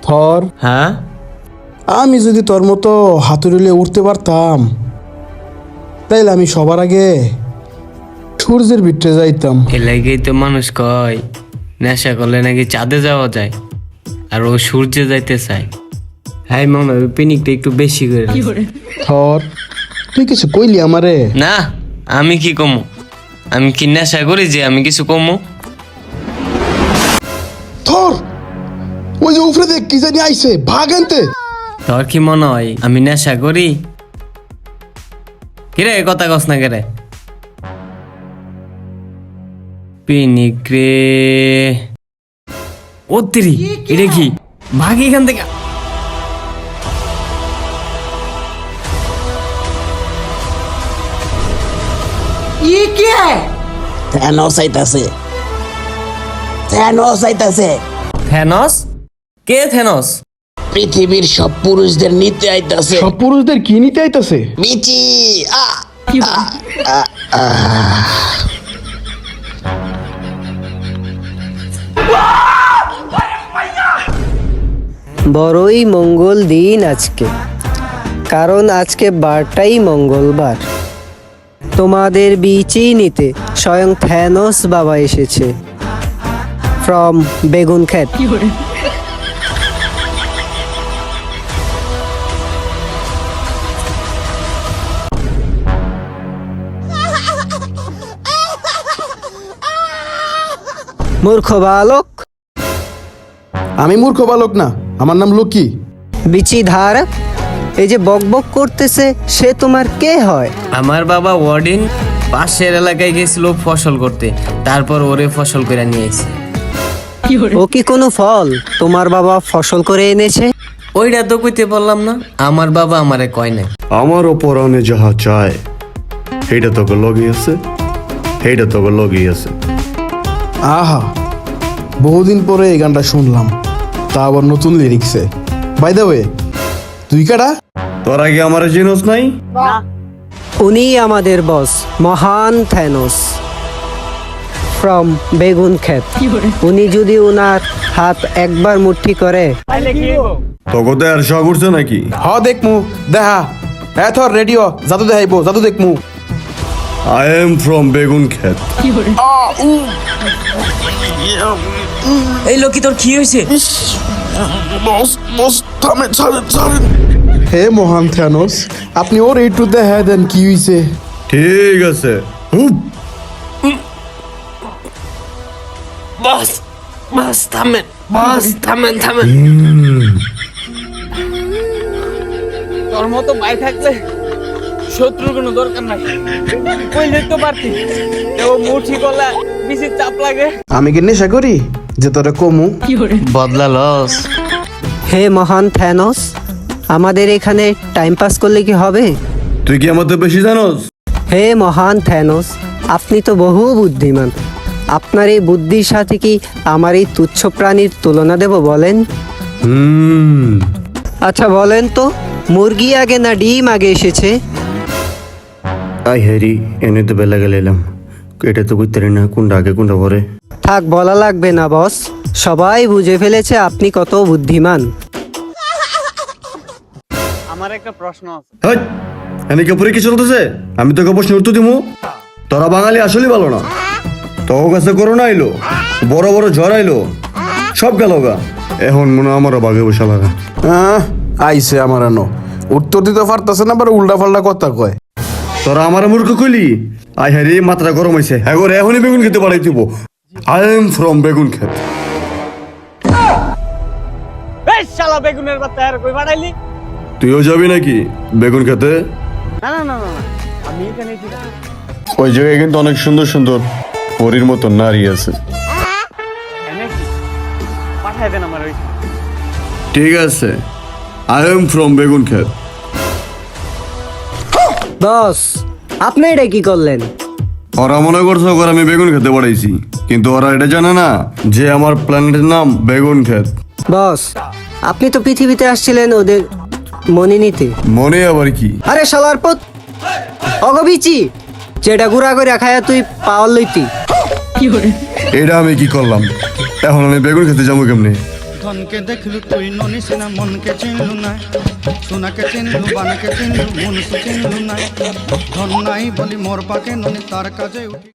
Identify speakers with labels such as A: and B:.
A: থর,
B: হ্যাঁ
A: আমি যদি তোর মতো হাতুড়িলে উঠতে পারতাম তাইলে আমি সবার আগে সূর্যের ভিতরে যাইতাম।
B: এ লাগেই তো মানুষ কয় নেশা করলে নাকি চাঁদে যাওয়া যায়, আর ও সূর্যে যাইতে চায়। হ্যাঁ মনে হয় পিনিকটা একটু বেশি করে দিছে।
A: থর, তুই কিছু কইলি আমারে?
B: না, আমি কি কমু? আমি কি নেশা করি যে আমি কিছু কমু?
A: থর, ওই যে উপরে দেখ কি জানি আইছে, ভাগ আনতে।
B: তোর কি মনে হয় আমি নেশা করি? কিরে কথা কস না কেরে? পিনিক রে, ও তেরি, এটা কি? ভাগ এখান থেকে।
A: থ্যানোস আইতাছে, থ্যানোস আইতাছে।
B: থ্যানস? কে থ্যানস?
A: পৃথিবীর সব পুরুষদের নিতে আইতাছে। সব পুরুষদের কি নিতে আইতাছে? বিচি।
C: বড়ই মঙ্গল দিন আজকে, কারণ আজকে বারটাই মঙ্গলবার। তোমাদের বিচি নিতে স্বয়ং থ্যানোস বাবা এসেছে ফ্রম বেগুন ক্ষেত। মূর্খ বালক।
A: আমি মূর্খ বালক না, আমার নাম লকি।
C: বিচি ধারক, এই যে বকবক করতেছে সে তোমার কে হয়?
B: আমার বাবা ওয়ার্ডিন পাশের এলাকায় গেছিল ফসল করতে, তারপর ওরে ফসল করে নিয়ে এসে।
C: ও কি কোনো ফল তোমার বাবা ফসল করে এনেছে?
B: ওইটা তো কইতে পারলাম না, আমার বাবা আমারে কয় না।
D: আমারও পরাণে যাহা চায় সেইটা তোকে লগিয়েছে, সেইটা তোকে লগিয়েছে।
A: আহা, বহুদিন পরে এই গানটা শুনলাম, তা আবার নতুন লিরিক্সে। বাই দ্য ওয়ে, তুই কারা?
D: তোর আগে আমার জিনিস নাই?
C: উনি আমাদের বস, মহান থ্যানোস ফ্রম বেগুন ক্ষেত। উনি যদি উনার হাত একবার মুঠি করে,
D: তোকে তো আর শখ উঠছে নাকি?
A: হ দেখমু, দেখা। হ্যাঁ থর, রেডিও জাদু দেখাইবো, জাদু দেখমু।
D: আই এম ফ্রম বেগুন ক্ষেত।
B: এই লোকি তোর কি হয়েছে?
A: হে মহান থ্যানোস, আপনি ওর একটু দেখা দেন কি হইছে।
D: ঠিক আছে।
B: বাস বাস থামেন, বাস থামেন থামেন। তোর মতো ভাই থাকলে শত্রুর কোনো দরকার নাই, কইলে তো পারতি। ও মুঠি গলা বেশি চাপ লাগে।
A: আমি কি নেশা করি যে তোরে কমু?
B: বদলা লস।
C: হে মহান থ্যানোস, আমাদের এখানে টাইম পাস করলে কি হবে?
D: তুই কি আমার তো বেশি জানোস?
C: হে মহান থ্যানোস, আপনি তো বহু বুদ্ধিমান। আপনার এই বুদ্ধির সাথে কি আমার এই তুচ্ছ প্রাণীর তুলনা দেব বলেন? আচ্ছা বলেন তো, মুরগি আগে না ডিম আগে এসেছে?
D: আই হ্যারি, এনে তো বেলা গেলাম, এটা তো বুঝতে পারি না কোনটা আগে কোনটা পরে।
C: থাক, বলা লাগবে না বস, সবাই বুঝে ফেলেছে আপনি কত বুদ্ধিমান।
B: আমার একটা প্রশ্ন আছে।
D: হাট, এনে কি পরে কি চলতেছে? আমি তোকে প্রশ্ন উত্তর দিমু। তোরা বাঙালি আসলেই ভালো না। তোর কাছে করোনা আইলো, বড় বড় ঝড় আইলো, সব গেল গা। এখন মনে হয় আমারও বাঘে বসা লাগা।
A: আইছে আমার আনো, উত্তর দিতে পারতাছে না, আবার উল্টা পাল্টা কথা কয়।
D: তোরা আমার মূর্খ কইলি? আই হ্যারি, মাত্রা গরম হয়েছে। হ্যাঁ করে এখনই বেগুন খেতে পাঠাই দিব। আই এম ফ্রম বেগুন ক্ষেত।
B: এই শালা বেগুনের বাচ্চা আর কই বাড়াইলি?
D: তুইও যাবি নাকি বেগুন খেতে?
B: না না না না, আমি এখানে ঠিক আছে।
D: ওই জায়গায় কিন্তু অনেক সুন্দর সুন্দর পরীর মতো নারী আছে।
B: পাঠাই দেন আমার ওই।
D: ঠিক আছে, আই এম ফ্রম বেগুন ক্ষেত।
C: বস, আপনি এটা কি করলেন?
D: ওরা মনে করছে ওরা আমি বেগুন খেতে পাঠাইছি, কিন্তু ওরা এটা জানে না যে আমার প্ল্যানেটের নাম বেগুন ক্ষেত।
C: বস, আপনি তো পৃথিবীতে আসছিলেন ওদের মনে নিতে।
D: মনে আবার কি?
C: আরে শালার পথ অগবিচি, যেটা গুড়া করে খায়া তুই পাওয়ার লইতি।
D: এটা আমি কি করলাম? এখন আমি বেগুন খেতে যাবো কেমনে?
E: ধনকে দেখলু তুই ননি সিনা মনকে চিনলু না, সোনাকে চিনলু বানকে চিনলু মনুষ চিনলু না। ধন নাই বলি মোর পাকে ননি তার কাজে উঠি